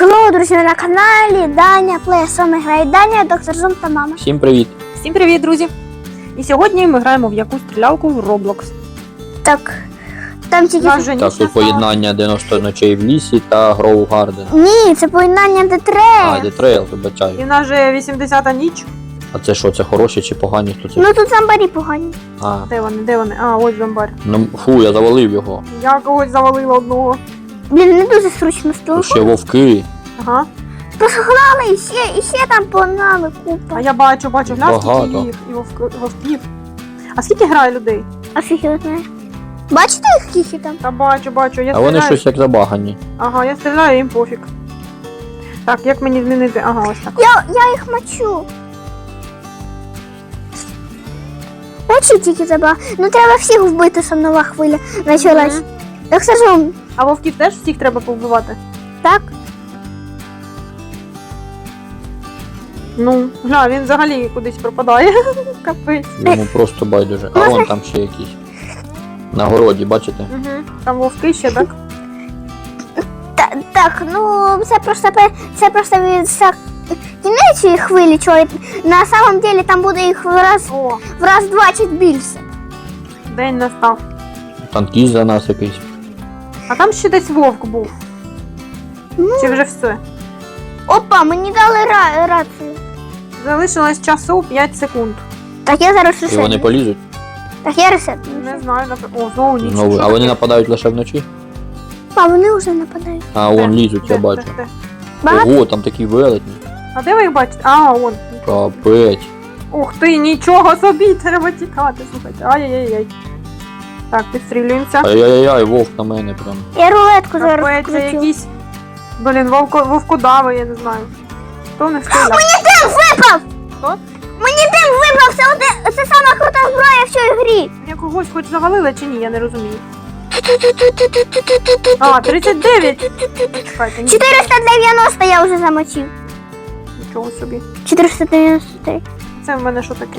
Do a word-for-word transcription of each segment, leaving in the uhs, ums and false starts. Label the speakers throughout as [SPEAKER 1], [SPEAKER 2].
[SPEAKER 1] Хеллоу, друзі, на каналі Даня Плей. З вами грає Даня, доктор Зум та мама.
[SPEAKER 2] Всім привіт!
[SPEAKER 3] Всім привіт, друзі! І сьогодні ми граємо в якусь стрілялку в Roblox.
[SPEAKER 1] Так, там тільки...
[SPEAKER 3] Нас вже
[SPEAKER 2] Так,
[SPEAKER 3] ніч
[SPEAKER 2] тут поєднання дев'яносто ночей в лісі та Гроу Гарден.
[SPEAKER 1] Ні, це поєднання
[SPEAKER 2] А,
[SPEAKER 1] Детрея.
[SPEAKER 2] де трейл,
[SPEAKER 3] І
[SPEAKER 2] вибачаю.
[SPEAKER 3] в нас вже вісімдесята ніч.
[SPEAKER 2] А це що, це хороші чи погані? Хто це?
[SPEAKER 1] Ну тут зомбарі погані.
[SPEAKER 2] А,
[SPEAKER 3] Де вони, де вони? А, ось зомбар.
[SPEAKER 2] ну фу, я завалив його.
[SPEAKER 3] Я когось завалила одного.
[SPEAKER 1] Блін, не дуже зручно з того.
[SPEAKER 2] Тут ще вовки.
[SPEAKER 3] Ага.
[SPEAKER 1] Погнали, і ще, і ще там погнали купа.
[SPEAKER 3] А я бачу, бачу, глянь, скільки
[SPEAKER 2] Багато.
[SPEAKER 3] їх і вовк- вовків. А скільки грає людей?
[SPEAKER 1] А фіг його знає. Бачите їх скільки там?
[SPEAKER 3] Та бачу, бачу, я
[SPEAKER 2] А вони
[SPEAKER 3] стріляю.
[SPEAKER 2] щось як забагані.
[SPEAKER 3] Ага, я стріляю, їм пофіг. Так, як мені змінити? Ага, ось так.
[SPEAKER 1] Я, я їх мочу. Мочу тільки забаг. Ну треба всіх вбити, щоб нова хвиля почалась.
[SPEAKER 3] Мгм.
[SPEAKER 1] Доктор Зум,
[SPEAKER 3] А вовків теж всіх треба повбивати?
[SPEAKER 1] так?
[SPEAKER 3] Ну, гля, він взагалі кудись пропадає. Капець.
[SPEAKER 2] Йому просто байдуже. А вон там ще якісь. На городі, бачите?
[SPEAKER 3] Угу. Там вовки ще, так?
[SPEAKER 1] Та, так, ну це просто пе- це просто від са- кінець хвилі, чого на самом деле там буде їх в раз
[SPEAKER 3] О,
[SPEAKER 1] в раз двадцять більше.
[SPEAKER 3] день настав.
[SPEAKER 2] Танкіст за нас якийсь.
[SPEAKER 3] А там ще десь вовк був.
[SPEAKER 1] Ну.
[SPEAKER 3] Чи вже все?
[SPEAKER 1] Опа, мені дали ра- рацію.
[SPEAKER 3] Залишилось часу п'ять секунд.
[SPEAKER 1] Так я зараз
[SPEAKER 2] І вони
[SPEAKER 1] ресет.
[SPEAKER 2] полізуть
[SPEAKER 1] Так я ресет.
[SPEAKER 3] Не знаю, наприклад. О, знову ніч.
[SPEAKER 2] знову.
[SPEAKER 3] Що
[SPEAKER 2] А вони
[SPEAKER 3] таке?
[SPEAKER 2] нападають лише вночі?
[SPEAKER 1] А вони вже нападають.
[SPEAKER 2] А
[SPEAKER 3] Де?
[SPEAKER 2] вон лізуть, я
[SPEAKER 3] Де?
[SPEAKER 2] бачу.
[SPEAKER 3] Де? Де?
[SPEAKER 1] Багато?
[SPEAKER 2] Ого, там такі велетні.
[SPEAKER 3] А де ви їх бачите? А, он.
[SPEAKER 2] Капець.
[SPEAKER 3] Ух ти, нічого собі, треба тікати, слухайте. Ай-яй-яй. Так, підстрілюємося.
[SPEAKER 2] Ай-яй-яй, вовк на мене прям.
[SPEAKER 1] Я рулетку зараз
[SPEAKER 3] Капець, це
[SPEAKER 1] кручу.
[SPEAKER 3] якісь. Блін, вовко, вовкодави, я не знаю. Хто не стріляв?
[SPEAKER 1] Дим випав!
[SPEAKER 3] Хто?
[SPEAKER 1] Мені дим випав, це, оде- це сама крута зброя в цій грі.
[SPEAKER 3] Я когось хоч завалила чи ні, я не розумію. А, тридцять дев'ять. Чекайте, ні,
[SPEAKER 1] чотириста дев'яносто я вже замочив.
[SPEAKER 3] нічого собі.
[SPEAKER 1] чотириста дев'яносто три.
[SPEAKER 3] Це в мене що таке?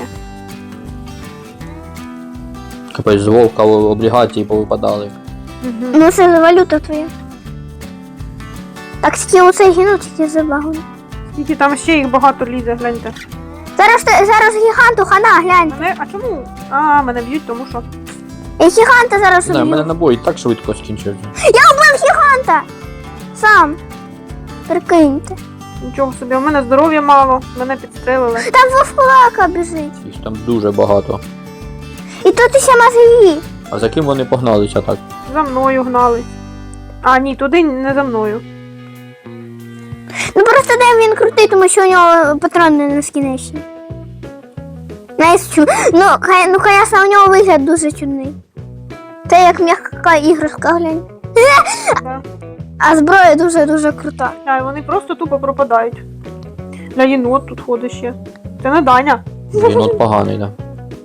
[SPEAKER 2] Капець, з вовка облігації повипадали.
[SPEAKER 3] Угу.
[SPEAKER 1] Ну це валюта твоя. Так, тільки оцей гіну тільки забагано.
[SPEAKER 3] Скільки там ще їх багато лізе, гляньте.
[SPEAKER 1] Зараз, те- зараз гіганту хана, глянь.
[SPEAKER 3] Мене, а чому? А, мене б'ють, тому що.
[SPEAKER 1] Я гіганта зараз
[SPEAKER 2] Не знаю, в мене
[SPEAKER 1] уб'ю.
[SPEAKER 2] набої так швидко скінчився.
[SPEAKER 1] Я убив гіганта! Сам. Прикиньте.
[SPEAKER 3] Нічого собі, у мене здоров'я мало, мене підстрелили.
[SPEAKER 1] Там вовкулака біжить.
[SPEAKER 2] Їх там дуже багато.
[SPEAKER 1] І тут ще мозги.
[SPEAKER 2] А за ким вони погналися так?
[SPEAKER 3] За мною гнали. А, ні, туди не за мною.
[SPEAKER 1] Ну просто де він крутий, тому що у нього патрони нескінчені. Знаєш, чу... Ну, хай- ну, звісно, у нього вигляд дуже чудний. Це як м'яка іграшка, глянь.
[SPEAKER 3] Да.
[SPEAKER 1] А зброя дуже-дуже крута.
[SPEAKER 3] А, і вони просто тупо пропадають. Для єнот тут ходить ще. Це не Даня.
[SPEAKER 2] Він от поганий, да.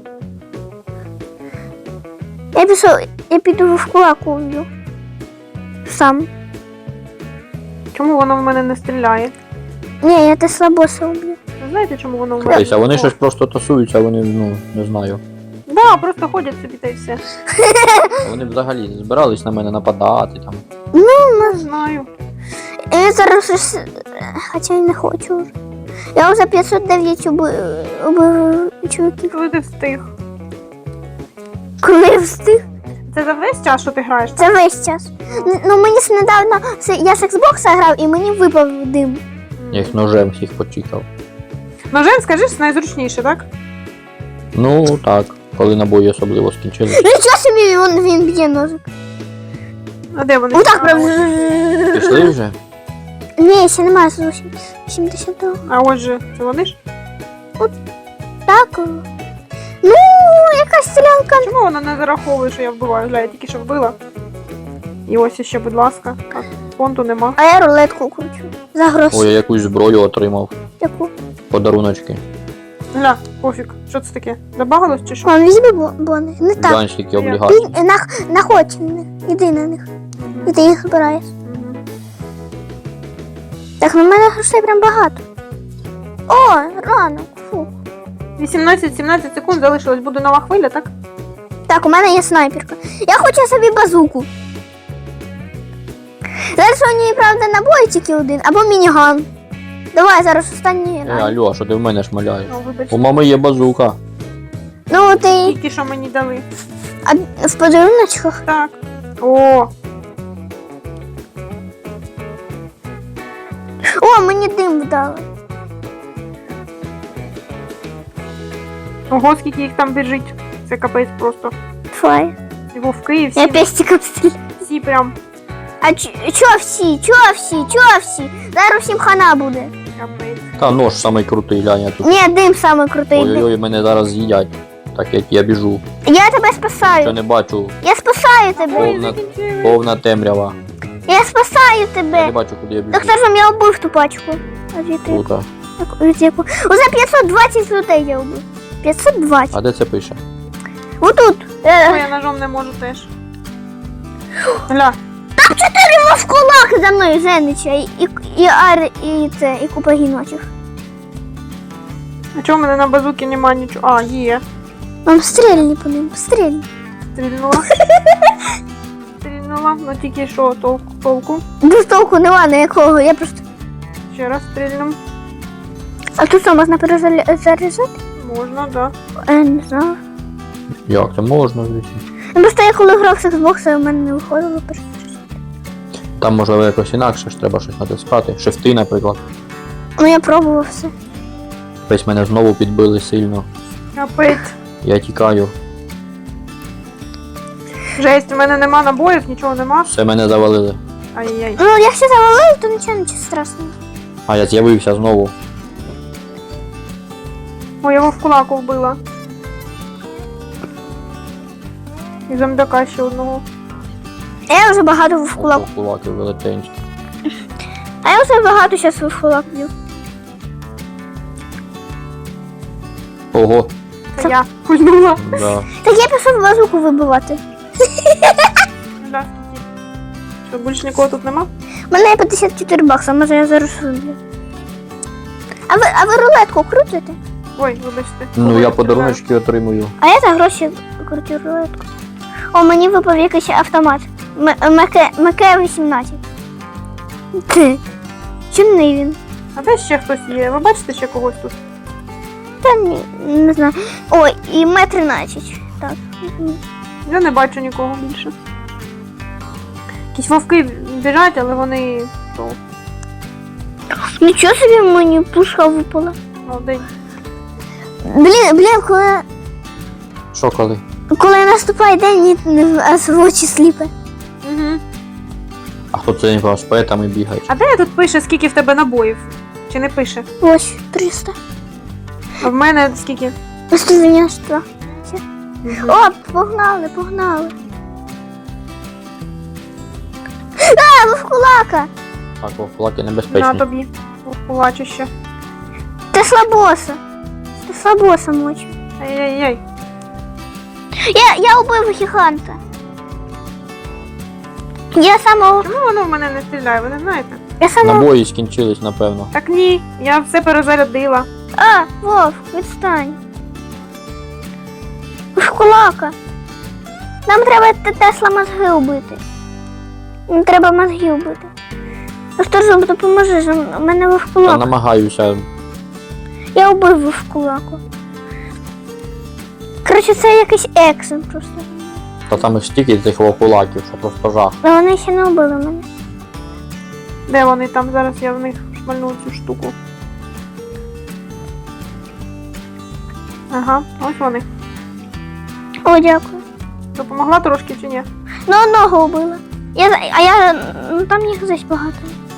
[SPEAKER 1] Я пішов, я піду в кулаку вб'ю. Сам.
[SPEAKER 3] Чому воно в мене не стріляє?
[SPEAKER 1] Ні, я те слабоса вб'ю.
[SPEAKER 3] Ви знаєте, чому воно в мене?
[SPEAKER 2] Капець, а вони
[SPEAKER 3] О,
[SPEAKER 2] щось просто тасуються, а вони, ну, не знаю.
[SPEAKER 3] Да, просто ходять собі та й все.
[SPEAKER 2] А вони взагалі збирались на мене нападати там.
[SPEAKER 3] Не знаю.
[SPEAKER 1] Я зараз щось... Хоча й не хочу вже. Я вже п'ятсот дев'ять убив, убив чоловіків.
[SPEAKER 3] Коли ти встиг.
[SPEAKER 1] Коли я встиг?
[SPEAKER 3] Це за весь час, що ти граєш?
[SPEAKER 1] Це весь час. Н- Ну мені ж недавно, с- я з Xbox грав і мені випав дим.
[SPEAKER 2] Я їх ножем всіх почікав.
[SPEAKER 3] Ножем, скажи, найзручніше, так?
[SPEAKER 2] Ну так, коли набої особливо скінчились.
[SPEAKER 1] Нічого собі він, він б'є ножик.
[SPEAKER 3] А де вони?
[SPEAKER 1] Отак
[SPEAKER 3] А,
[SPEAKER 1] прям.
[SPEAKER 3] ось.
[SPEAKER 2] Пішли вже?
[SPEAKER 1] Ні, ще немає зовсім. сімдесят два.
[SPEAKER 3] А ось же, це вони ж?
[SPEAKER 1] Так. о. Ну, якась стрілянка.
[SPEAKER 3] Чому вона не зараховує, що я вбиваю? Гля, я тільки що вбила. І ось ще, будь ласка. Так, фонту нема.
[SPEAKER 1] А я рулетку кручу. За гроші.
[SPEAKER 2] Ой, я якусь зброю отримав.
[SPEAKER 1] Яку?
[SPEAKER 2] Подаруночки.
[SPEAKER 3] Гля, пофіг. Що це таке? Забагалось чи що?
[SPEAKER 1] Вон, візьми бо- бони. Не так.
[SPEAKER 2] Гігантські облігації.
[SPEAKER 1] Ти на, находь на них. Іди на них. І ти їх збираєш.
[SPEAKER 3] Мгм.
[SPEAKER 1] Так, на мене грошей прям багато. О, ранок. Фу.
[SPEAKER 3] вісімнадцять-сімнадцять секунд залишилось, буде нова хвиля, так?
[SPEAKER 1] Так, у мене є снайперка. Я хочу собі базуку. Зараз у ній, правда, набої тільки один, або мініган. Давай зараз останній
[SPEAKER 2] Е,
[SPEAKER 1] раз.
[SPEAKER 2] алло, а що ти в мене шмаляєш?
[SPEAKER 3] Ну, вибач.
[SPEAKER 2] У мами є базука.
[SPEAKER 1] Ну, ти
[SPEAKER 3] Тільки що мені дали.
[SPEAKER 1] а, в подаруночках.
[SPEAKER 3] Так. О,
[SPEAKER 1] О, мені дим дали.
[SPEAKER 3] ого, скільки їх там біжить. Це капець просто.
[SPEAKER 1] Твоє.
[SPEAKER 3] І вовки, і
[SPEAKER 1] Я
[SPEAKER 3] всі,
[SPEAKER 1] пестиком стріляю.
[SPEAKER 3] всі прям
[SPEAKER 1] А ч- чо всі? Чо всі? Чо всі? Зараз всім хана буде.
[SPEAKER 3] капець.
[SPEAKER 2] Та нож самий крутий, глянь, я тут.
[SPEAKER 1] Ні, дим саме крутий.
[SPEAKER 2] Ой-ой-ой, мене зараз з'їдять. Так як я біжу.
[SPEAKER 1] Я тебе
[SPEAKER 2] Що
[SPEAKER 1] спасаю.
[SPEAKER 2] не бачу.
[SPEAKER 1] Я спасаю тебе.
[SPEAKER 2] Повна,
[SPEAKER 3] закінчили.
[SPEAKER 2] повна темрява.
[SPEAKER 1] Я спасаю
[SPEAKER 2] Я не
[SPEAKER 1] тебе.
[SPEAKER 2] бачу, куди я біжу.
[SPEAKER 1] Так скажем, я убив ту пачку. А звідти?
[SPEAKER 2] Круто.
[SPEAKER 1] Так, від яку? Уже п'ятсот двадцять людей я убив. п'ятсот двадцять.
[SPEAKER 2] А де це пише?
[SPEAKER 1] Отут. Е,
[SPEAKER 3] Ой, я ножом не можу теж. Гля,
[SPEAKER 1] в кулак за мною жениться. І, і, і ар, і це, і купа гіночих.
[SPEAKER 3] а чого в мене на базуки нема нічого? А, є.
[SPEAKER 1] Вам стрільні по ним, стрільні.
[SPEAKER 3] Стрільнула. Стрільнула, ну тільки що толку, толку.
[SPEAKER 1] Без толку нема ніякого, я просто...
[SPEAKER 3] Ще раз стрільнем.
[SPEAKER 1] А тут що, можна перезаряджати?
[SPEAKER 3] Можна, да.
[SPEAKER 1] Е, не знаю.
[SPEAKER 2] Як це можна, звісно?
[SPEAKER 1] Ну, просто я коли грав з Xbox, у мене не виходило перезаряджати.
[SPEAKER 2] Там можливо якось інакше ж треба щось натискати. Шифти, наприклад.
[SPEAKER 1] Ну, я пробував все.
[SPEAKER 2] Весь мене знову підбили сильно.
[SPEAKER 3] Капець.
[SPEAKER 2] Я тікаю.
[SPEAKER 3] Жесть, у мене нема набоїв, нічого нема.
[SPEAKER 2] Все мене завалили.
[SPEAKER 3] Ай-яй.
[SPEAKER 1] Ну, якщо завалили, то нічого, нічого страшного.
[SPEAKER 2] А я з'явився знову.
[SPEAKER 3] Ой, я його в кулаку вбила. І зомбяка ще одного.
[SPEAKER 1] А я вже багато в кулак.
[SPEAKER 2] Ото кулаки велетенські.
[SPEAKER 1] А я вже багато зараз в кулак б'ю.
[SPEAKER 2] Ого,
[SPEAKER 3] Це я пульнула.
[SPEAKER 2] да.
[SPEAKER 1] Так я пішов базуку вибивати.
[SPEAKER 3] Гля, скільки. Що, більше нікого тут нема?
[SPEAKER 1] У мене є п'ятдесят чотири бакса, може я зараз виб'ю. А ви, а ви рулетку крутите?
[SPEAKER 3] Ой, вибачте.
[SPEAKER 2] Ну
[SPEAKER 3] Ой,
[SPEAKER 2] я
[SPEAKER 3] це
[SPEAKER 2] подаруночки отримую.
[SPEAKER 1] А я за гроші крутю рулетку. О, мені випав якийсь автомат. МК вісімнадцять. Ти. Чимний він?
[SPEAKER 3] А де ще хтось є? Ви бачите ще когось тут?
[SPEAKER 1] Та ні, не знаю. Ой, і М тринадцять. Так.
[SPEAKER 3] Я не бачу нікого більше. Якісь вовки біжать, але вони то,
[SPEAKER 1] Нічого собі мені пушка випала.
[SPEAKER 3] молодень.
[SPEAKER 1] Блін, блін, коли,
[SPEAKER 2] Що коли?
[SPEAKER 1] коли наступає день, ні, не- аж в очі сліпе.
[SPEAKER 3] Угу.
[SPEAKER 2] А хто це не з поетами бігає?
[SPEAKER 3] А де тут пише, скільки в тебе набоїв? Чи не пише?
[SPEAKER 1] Ось, триста.
[SPEAKER 3] А в мене скільки?
[SPEAKER 1] сто дев'яносто два.
[SPEAKER 3] Мгм.
[SPEAKER 1] О, погнали, погнали. А, ви в кулака.
[SPEAKER 2] Так, о, кулаки
[SPEAKER 3] На
[SPEAKER 2] небезпечні.
[SPEAKER 3] тобі. Побачу ще.
[SPEAKER 1] Ти слабоса. Ти слабоса мочу.
[SPEAKER 3] Ай-яй-яй.
[SPEAKER 1] Я, я убив гіганта. Я самого...
[SPEAKER 3] Чому воно в мене не стріляє, ви не знаєте?
[SPEAKER 1] Я самого...
[SPEAKER 2] Набої скінчились, напевно.
[SPEAKER 3] Так ні, я все перезарядила.
[SPEAKER 1] А, Вов, відстань. Ви в кулака. Нам треба те- Тесла мозги убити. Нам треба мозги убити. Ну що ж, допоможи, ж, у мене ви в
[SPEAKER 2] Я
[SPEAKER 1] кулаку.
[SPEAKER 2] намагаюся.
[SPEAKER 1] Я убив ви в кулаку. Коротше, це якийсь ексен просто.
[SPEAKER 2] Та там їх стільки цих кулаків, що просто жах.
[SPEAKER 1] Але вони ще не убили мене.
[SPEAKER 3] Де вони там? Зараз я в них шмальну цю штуку. Ага, ось вони.
[SPEAKER 1] О, дякую.
[SPEAKER 3] Допомогла трошки чи ні?
[SPEAKER 1] Ну, одного убила. Я, за- а я, ну там їх десь багато.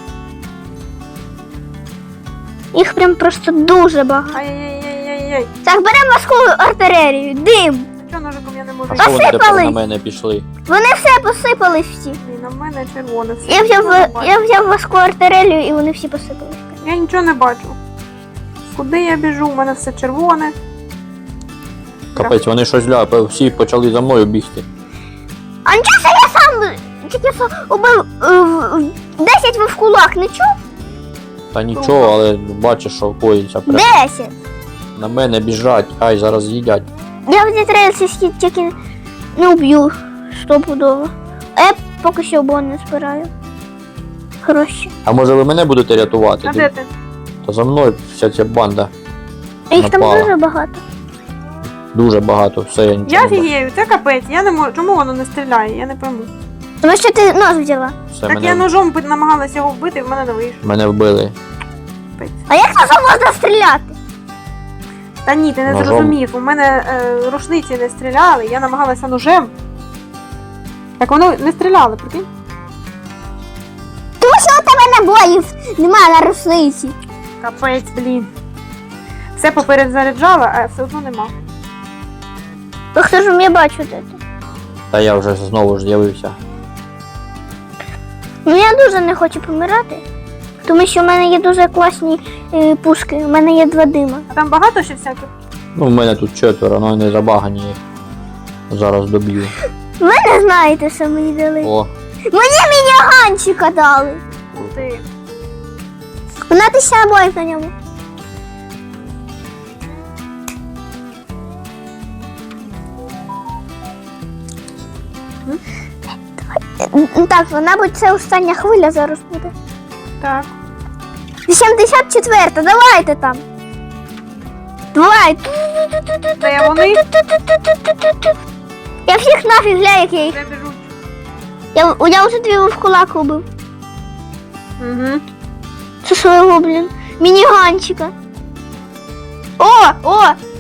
[SPEAKER 1] Їх прям просто дуже багато.
[SPEAKER 3] Ай-яй-яй-яй-яй.
[SPEAKER 1] Так, беремо важку артилерію. Дим.
[SPEAKER 3] А чого ножиком я не можу?
[SPEAKER 2] А що вони тепер на
[SPEAKER 1] Посипались.
[SPEAKER 2] мене пішли?
[SPEAKER 1] Вони все посипались всі.
[SPEAKER 3] Блін, а в мене червоне все.
[SPEAKER 1] Я взяв,
[SPEAKER 3] Нічого не бачу.
[SPEAKER 1] я взяв важку артилерію і вони всі посипались.
[SPEAKER 3] Я нічого не бачу. Куди я біжу? У мене все червоне.
[SPEAKER 2] Капець, вони щось ля, всі почали за мною бігти.
[SPEAKER 1] А нічого, що я сам тільки що убив е, в- десять ви в кулак, не чув?
[SPEAKER 2] Та нічого, але бачиш, що коїться. Прям
[SPEAKER 1] десять.
[SPEAKER 2] на мене біжать, ай, зараз з'їдять.
[SPEAKER 1] Я в дітрейсі тільки не уб'ю стопудово. А я поки що обон не збираю. гроші.
[SPEAKER 2] А може ви мене будете рятувати?
[SPEAKER 3] А де ти?
[SPEAKER 2] Та за мною вся ця банда.
[SPEAKER 1] А їх там
[SPEAKER 2] Напала.
[SPEAKER 1] дуже багато.
[SPEAKER 2] Дуже багато, все, я нічого
[SPEAKER 3] Я
[SPEAKER 2] не бачу.
[SPEAKER 3] фігею, це капець. Я не можу. Чому воно не стріляє? Я не пойму.
[SPEAKER 1] Тому що ти нож взяла.
[SPEAKER 2] Все,
[SPEAKER 3] Так
[SPEAKER 2] мене,
[SPEAKER 3] я ножом би- намагалася його вбити, в мене не вийшло.
[SPEAKER 2] мене вбили.
[SPEAKER 3] Капець.
[SPEAKER 1] А як ножом можна стріляти?
[SPEAKER 3] Та ні, ти не
[SPEAKER 2] Ножом?
[SPEAKER 3] зрозумів. У мене е, рушниці не стріляли, я намагалася ножем. Так воно не стріляли, прикинь?
[SPEAKER 1] Тому що у тебе набоїв немає на рушниці.
[SPEAKER 3] Капець, блін. Все попередзаряджала, а все одно нема.
[SPEAKER 1] То хто ж я бачу де ти?
[SPEAKER 2] Та я вже знову ж з'явився.
[SPEAKER 1] Ну я дуже не хочу помирати. Тому що в мене є дуже класні е, пушки. У мене є два дима.
[SPEAKER 3] А там багато ще всяких?
[SPEAKER 2] Ну, в мене тут четверо, але не забагані їх. Зараз доб'ю.
[SPEAKER 1] Ви не знаєте, що мені дали.
[SPEAKER 2] О,
[SPEAKER 1] Мені мініганчика дали.
[SPEAKER 3] Ух ти.
[SPEAKER 1] Вона тисяча набоїв на ньому. Давай. Так, мабуть, це остання хвиля зараз буде.
[SPEAKER 3] Так.
[SPEAKER 1] вісімдесят четверта, давайте там. Давай.
[SPEAKER 3] Де вони?
[SPEAKER 1] Я всіх нафіг гля, як я їх.
[SPEAKER 3] Де біжуть?
[SPEAKER 1] Я, я вже дві в кулак убив.
[SPEAKER 3] Угу.
[SPEAKER 1] Це свого, блін. Мініганчика. О, о!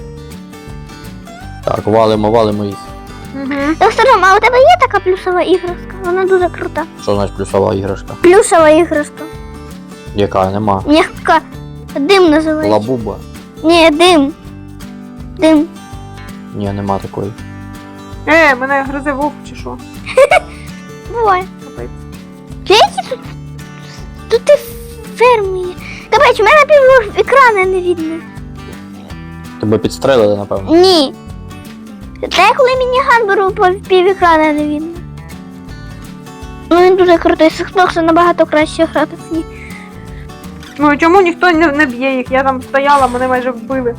[SPEAKER 2] так, валимо, валимо їх.
[SPEAKER 3] Угу.
[SPEAKER 1] Доктор, а у тебе є така плюсова іграшка? Вона дуже крута.
[SPEAKER 2] Що значить плюсова іграшка?
[SPEAKER 1] Плюсова іграшка.
[SPEAKER 2] Яка? Нема.
[SPEAKER 1] М'яка. Дим називається.
[SPEAKER 2] Лабуба?
[SPEAKER 1] Ні, дим. Дим.
[SPEAKER 2] Ні, нема такої.
[SPEAKER 3] Е, мене гризе вовк чи що?
[SPEAKER 1] Буває.
[SPEAKER 3] Капець.
[SPEAKER 1] Які тут? Тут і ферми є. Капець, у мене пів екрана не видно.
[SPEAKER 2] Тебе підстрелили, напевно.
[SPEAKER 1] Ні. Та я коли мініган беру, по пів екрана не видно. Ну він дуже крутий, з Xbox набагато краще грати в ній.
[SPEAKER 3] Ну і чому ніхто не, не б'є їх? Я там стояла, мене майже вбили.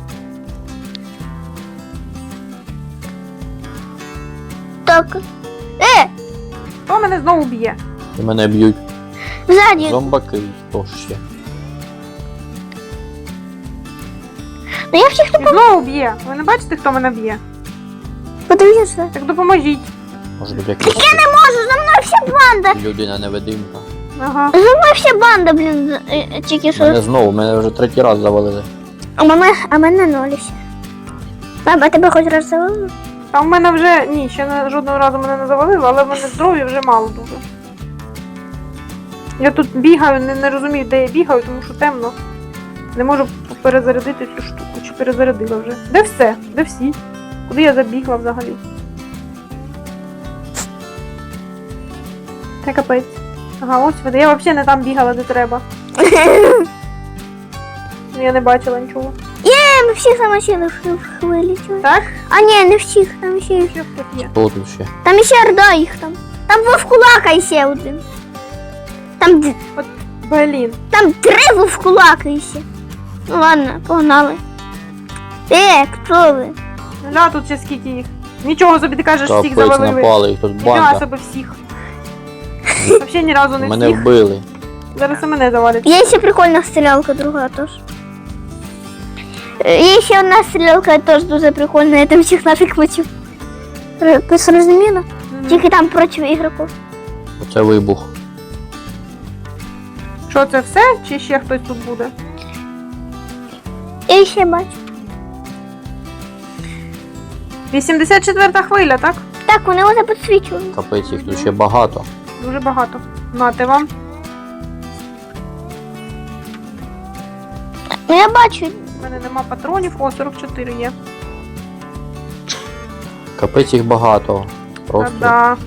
[SPEAKER 1] Так. Е,
[SPEAKER 3] Хто мене знову б'є?
[SPEAKER 2] І мене б'ють.
[SPEAKER 1] ззаді.
[SPEAKER 2] Зомбаки, хто ж ще?
[SPEAKER 1] Ну я всіх
[SPEAKER 3] Він знову б'є. Ви не бачите, хто мене б'є?
[SPEAKER 1] подивлюся.
[SPEAKER 3] Так допоможіть.
[SPEAKER 2] Може тут якась
[SPEAKER 1] Я не можу, за мною вся банда.
[SPEAKER 2] людина-невидимка.
[SPEAKER 3] Ага.
[SPEAKER 1] За мною вся банда, блін, з- е, е, тільки що.
[SPEAKER 2] Мене знову, мене вже третій раз завалили.
[SPEAKER 1] А мене, а мене нолі ще. Баба, тебе хоч раз завалили?
[SPEAKER 3] А в мене вже. Ні, ще не, жодного разу мене не завалило, але в мене здоров'я вже мало дуже. Я тут бігаю, не, не розумію, де я бігаю, тому що темно. Не можу перезарядити цю штуку. Чи перезарядила вже? Де все? Де всі? Куди я забігла взагалі? Це капець. Ага, ось вони. Я взагалі не там бігала, де треба. Я не бачила нічого.
[SPEAKER 1] Е, ми всіх замочили в в хвилі. чого?
[SPEAKER 3] Так?
[SPEAKER 1] А ні, не всіх, там ще їх.
[SPEAKER 3] Ще хтось є.
[SPEAKER 2] Хто тут ще?
[SPEAKER 1] Там ще орда їх там. Там вовкулака ще один. Там, д-
[SPEAKER 3] Блін.
[SPEAKER 1] там три вовкулака ще. Ну ладно, погнали. Е, хто ви?
[SPEAKER 3] Гля, тут ще скільки їх. Нічого собі ти кажеш, всіх
[SPEAKER 2] Капець
[SPEAKER 3] завалили.
[SPEAKER 2] напали, їх тут
[SPEAKER 3] Нічого
[SPEAKER 2] банда.
[SPEAKER 3] себе всіх. Взагалі ні разу не
[SPEAKER 2] Мене
[SPEAKER 3] всіх.
[SPEAKER 2] вбили.
[SPEAKER 3] Зараз і мене завалять.
[SPEAKER 1] Є ще прикольна стрілялка друга теж. Е, Є ще одна стрілялка теж дуже прикольна, я там всіх нафіг мочу. Ти зрозуміла?
[SPEAKER 3] Мгм.
[SPEAKER 1] Тільки там проти ігроків.
[SPEAKER 2] Оце вибух.
[SPEAKER 3] Що це все? Чи ще хтось тут буде?
[SPEAKER 1] Я ще бачу.
[SPEAKER 3] вісімдесят четверта хвиля, так?
[SPEAKER 1] Так, вони вже підсвічували.
[SPEAKER 2] Капець, їх тут ще багато.
[SPEAKER 3] Дуже багато. Нате вам.
[SPEAKER 1] Ну я бачу.
[SPEAKER 3] У мене нема патронів. О, сорок чотири є.
[SPEAKER 2] Капець їх багато. Просто.
[SPEAKER 3] Та-да.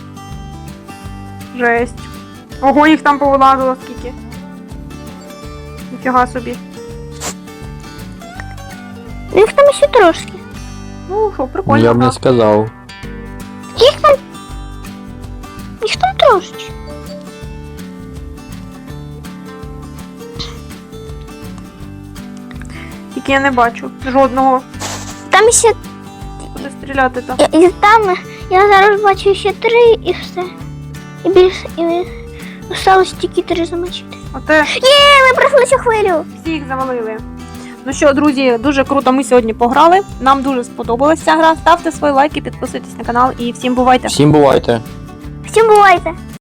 [SPEAKER 3] Жесть. Ого, їх там повилазило скільки. Ніфіга собі.
[SPEAKER 1] Ну, їх там ще трошки.
[SPEAKER 3] Ну що,
[SPEAKER 2] Ну,
[SPEAKER 3] прикольно.
[SPEAKER 2] я б не
[SPEAKER 3] так.
[SPEAKER 2] сказав.
[SPEAKER 1] Їх там. Їх там трошечки.
[SPEAKER 3] Тільки я не бачу жодного.
[SPEAKER 1] Там ще.
[SPEAKER 3] Куди стріляти там.
[SPEAKER 1] І, і там я зараз бачу ще три і все. І більше. І Осталось тільки три замочити.
[SPEAKER 3] Оте
[SPEAKER 1] Є, ми пройшли цю хвилю.
[SPEAKER 3] всіх завалили. Ну що, друзі, дуже круто ми сьогодні пограли. Нам дуже сподобалася ця гра. Ставте свої лайки, підписуйтесь на канал і всім бувайте!
[SPEAKER 2] Всім бувайте.
[SPEAKER 1] Всім бувайте.